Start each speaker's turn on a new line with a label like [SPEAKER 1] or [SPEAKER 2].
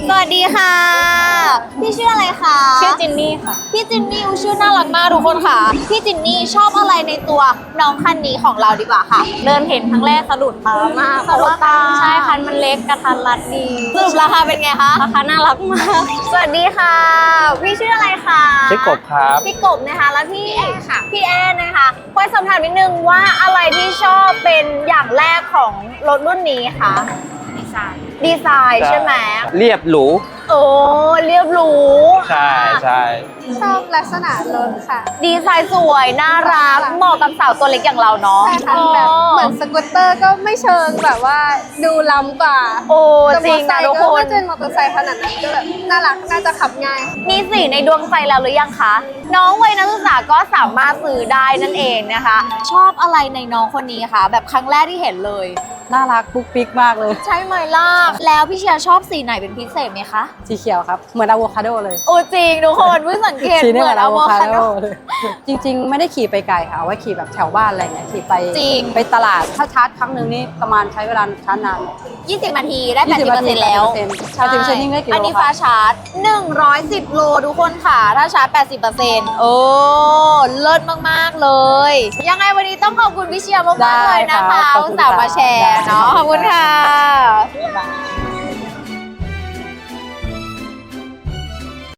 [SPEAKER 1] สวัสดีค่ะพี่ชื่ออะไรคะ
[SPEAKER 2] ชื่อจินนี่ค่ะ
[SPEAKER 1] พี่จินนี่ชื่อน่ารักมากทุกคนค่ะพี่จินนี่ชอบอะไรในตัวน้องคันนี้ของเราดีกว่าค่ะ
[SPEAKER 2] เดินเห็นครั้งแรกสะดุดตามาก
[SPEAKER 1] สะดุดตา
[SPEAKER 2] ใช่คันมันเล็กกระทันรัดดี
[SPEAKER 1] สรุปราคาเป็นไงคะ
[SPEAKER 2] ราคาน่ารักมาก
[SPEAKER 1] สวัสดีค่ะพี่ชื่ออะไรคะ
[SPEAKER 3] ชื่อกบครับ
[SPEAKER 1] พี่กบนะคะแล้วพี่ค่ะพี่แอนนะคะพอยสอบถามนิดนึงว่าอะไรที่ชอบเป็นอย่างแรกของรถรุ่นนี้คะดีไซน์ใช่ไหม
[SPEAKER 3] เรียบหรู
[SPEAKER 1] โอ้เรียบหรู
[SPEAKER 3] ใช่ใช่
[SPEAKER 2] ชอบลักษณะรถค่ะ
[SPEAKER 1] ดีไซน์สวยน่ารักเหมาะกับสาวตัวเล็กอย่างเราเนาะ
[SPEAKER 2] ใช่ค่ะแบบเหมือนสกูตเตอร์ก็ไม่เชิงแบบว่าดูล้ำกว่า
[SPEAKER 1] โอ้
[SPEAKER 2] แต่
[SPEAKER 1] จริงนะทุกค
[SPEAKER 2] ก็
[SPEAKER 1] น
[SPEAKER 2] ไม่เป็นมอเตอร์ไซค์ขนาดนั้นก็แบบน่ารักน่าจะขับง่าย
[SPEAKER 1] มีสีในดวงใจแล้วหรือยังคะ น้องวัยนักศึกษาก็สามารถซื้อได้นั่นเองนะคะ ชอบอะไรในน้องคนนี้คะแบบครั้งแรกที่เห็นเลย
[SPEAKER 4] น่ารักปุ๊กปิ๊กมากเลย
[SPEAKER 1] ใช่ไหมล่ะแล้วพี่เชียร์ชอบสีไหนเป็นพิเศษไหมคะ
[SPEAKER 4] สีเขียวครับ เหมือนอะโวคาโดเลย
[SPEAKER 1] โอ้จริงทุกคนเพิ่งสังเกต
[SPEAKER 4] สีนี่
[SPEAKER 1] เห
[SPEAKER 4] เห
[SPEAKER 1] มื
[SPEAKER 4] มื
[SPEAKER 1] อ
[SPEAKER 4] อน น
[SPEAKER 1] อะ
[SPEAKER 4] อะ
[SPEAKER 1] โว
[SPEAKER 4] โว
[SPEAKER 1] คา
[SPEAKER 4] คา
[SPEAKER 1] โด
[SPEAKER 4] โดเลยจริง ๆ ไม่ได้ขี่ไปไกลค่ะเอาไว้ขี่แบบแถวบ้านอะไรเงี้ยขี่ไป
[SPEAKER 1] จริง
[SPEAKER 4] ไปตลาดถ้าชาร์จครั้งหนึ่งนี่ประมาณใช้เวลาชาร์จนาน
[SPEAKER 1] 20 นาทีได้
[SPEAKER 4] 20
[SPEAKER 1] 80%แล้ว
[SPEAKER 4] 80%นี่ได้กี่โล
[SPEAKER 1] อันนี้
[SPEAKER 4] คะ
[SPEAKER 1] ฟ้าชาร์จ 110 โลทุกคนค่ะ ถ้าชาร์จ 80%โอ้เลิศมาก ๆ เลย ยังไงวันนี้ต้องขอบคุณพี่เชียร์มาก ๆ เลยนะคะ
[SPEAKER 4] ได้ค่ะขอบ
[SPEAKER 1] อุ
[SPEAKER 4] คุ
[SPEAKER 1] ต
[SPEAKER 4] ณ
[SPEAKER 1] ส่าห์
[SPEAKER 4] ค่ะ
[SPEAKER 1] มาแชร์เนาะ
[SPEAKER 4] ได้
[SPEAKER 1] ขอบคุณค่ะ
[SPEAKER 4] บ๊ายบาย